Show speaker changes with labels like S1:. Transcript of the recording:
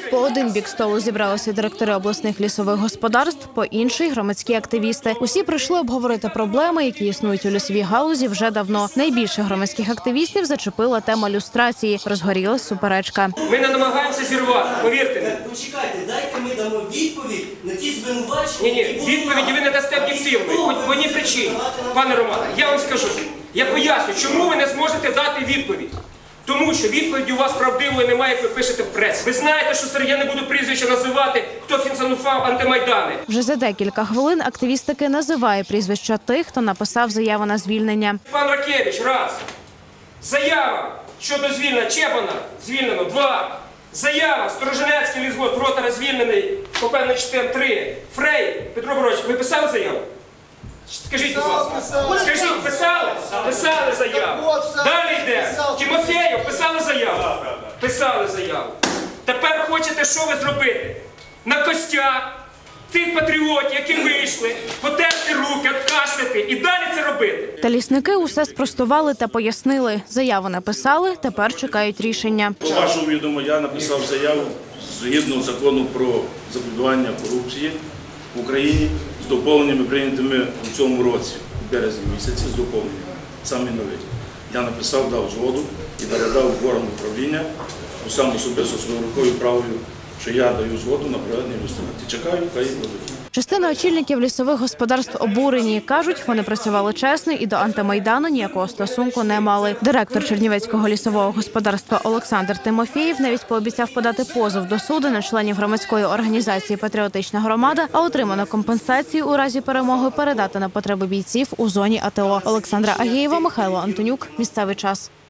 S1: По один бік столу зібралися директори обласних лісових господарств, по інший – громадські активісти. Усі прийшли обговорити проблеми, які існують у лісовій галузі вже давно. Найбільше громадських активістів зачепила тема люстрації. Розгорілась суперечка.
S2: Ми не намагаємося зірвати, повірте мені.
S3: Почекайте, дайте ми дамо відповідь на ті звинувачення.
S2: Ні, відповіді ви не дасте об'єктивної. По одній причині. Пане Романе, я вам скажу, я поясню, чому ви не зможете дати відповідь. Тому що відповіді у вас правдивої немає, як ви пишете в пресі. Ви знаєте, що я не буду прізвища називати, хто фінансував антимайдани.
S1: Вже за декілька хвилин активіст таки називає прізвища тих, хто написав заяву на звільнення.
S2: Пан Ракевич, раз. Заява щодо звільнення Чепана, звільнено, два. Заява, Сторожинецький лісгосп, Ротара звільнений, по певним частинам, три. Фрей, Петро Борович, ви писали заяву? Скажіть, будь ласка. Скажіть, писали? Писали заяву. Далі йде. Тимофєєв, писали заяву? Писали заяву. Тепер хочете що ви зробити? На костях тих патріотів, які вийшли, потерти руки, откашляти і далі це робити.
S1: Та лісники усе спростували та пояснили. Заяву написали, тепер чекають рішення.
S4: По вашому відомо, я написав заяву згідно закону про запобігання корупції в Україні з доповненнями, прийнятими у цьому році, в березні місяці, з доповненнями, саме нові. Я написав, дав згоду і передав в орган управління, сам особисто своєю рукою правою, що я даю згоду на проведення люстрації. Чекаю, хай їх дадуть.
S1: Частина очільників лісових господарств обурені. Кажуть, вони працювали чесно і до антимайдану ніякого стосунку не мали. Директор Чернівецького лісового господарства Олександр Тимофєєв навіть пообіцяв подати позов до суду на членів громадської організації «Патріотична громада», а отриману компенсацію у разі перемоги передати на потреби бійців у зоні АТО. Олександра Агієва, Михайло Антонюк. Місцевий час.